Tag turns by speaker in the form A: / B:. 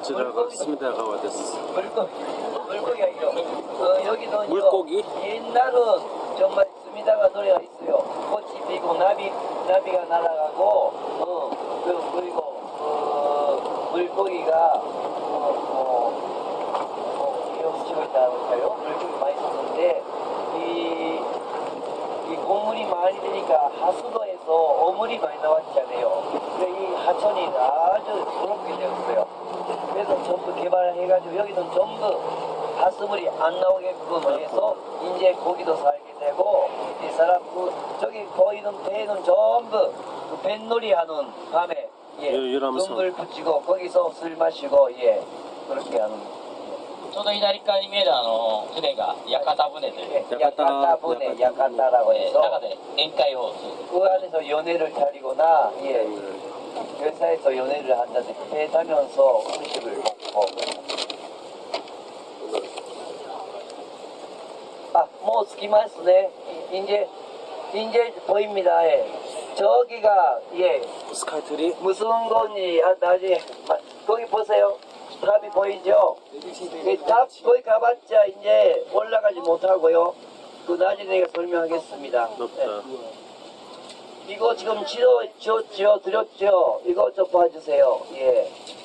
A: こちらが隅田川です。
B: 물고기 아니요. 여기는
A: 물고기?
B: 옛날은 정말 스미다가 노래가 있어요. 꽃이 피고 나비가 날아가고 그리고 물고기가 헤엄치고 있다고 할까요? 물고기 많이 썼는데 이 곡물이 많이 되니까 하수도에서 어물이 많이 나왔잖아요. 근데 이 하천이 아주 부럽게 되었어요. 그래서 전부 개발해가지고 여기는 전부 하수물이 안 나오게끔 해서 이제 고기도 살게 되고 이 사람 저기 보이는 배는 전부 그 뱃놀이 하는 밤에 눈물 붙이고 거기서 술 마시고 그렇게 하는.
C: ちょうど左側に見える船が屋形船という
B: 야카타라고 해서
C: 中で宴会をする
B: 그 안에서 연애를 차리거나 회사에서 연애를 한다든지 배 타면서 음식을 먹고. 뭐 스키마스네. 이제 보입니다. 저기가
A: 스카이트리?
B: 무슨 건지 나중에 거기 보세요. 탑이 보이죠? 탑 거기 가봤자 이제 올라가지 못하고요. 그 나중에 내가 설명하겠습니다.
A: 높다.
B: 이거 지금 지어 드렸죠? 이거 좀 봐주세요.